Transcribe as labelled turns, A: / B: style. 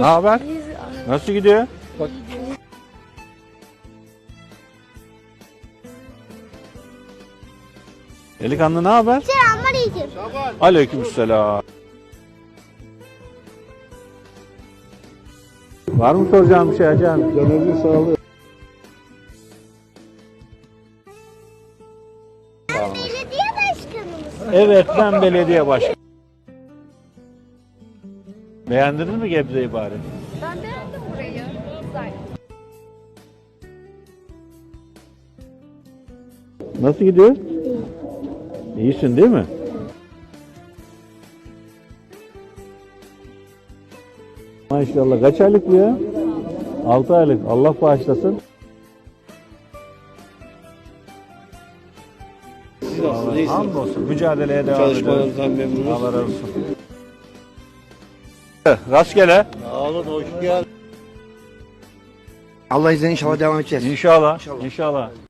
A: Ne haber? Nasıl gidiyor?
B: Bak.
A: Delikanlı ne haber?
C: Selamünaleyküm.
A: Aleykümselam. Var mı soracağım bir şey Hacı abi?
B: Canınızın sağlığı.
C: Belediye başkanımız.
A: Evet, ben belediye başkanı. Beğendiniz mi Gebze'yi bari?
D: Ben beğendim burayı. Güzel.
A: Nasıl gidiyor? İyisin değil mi? Maşallah. Kaç aylık bu ya? 6 aylık. Allah bağışlasın.
B: Siz nasılsınız? İyisiniz.
A: Hamdolsun. Mücadeleye devam ediyoruz.
B: Çalışmalarınızdan memnunuz.
A: Allah razı olsun. Rastgele.
B: Sağ olun, hoş geldiniz.
E: Allah izniyle inşallah devam edeceğiz.
A: İnşallah. İnşallah.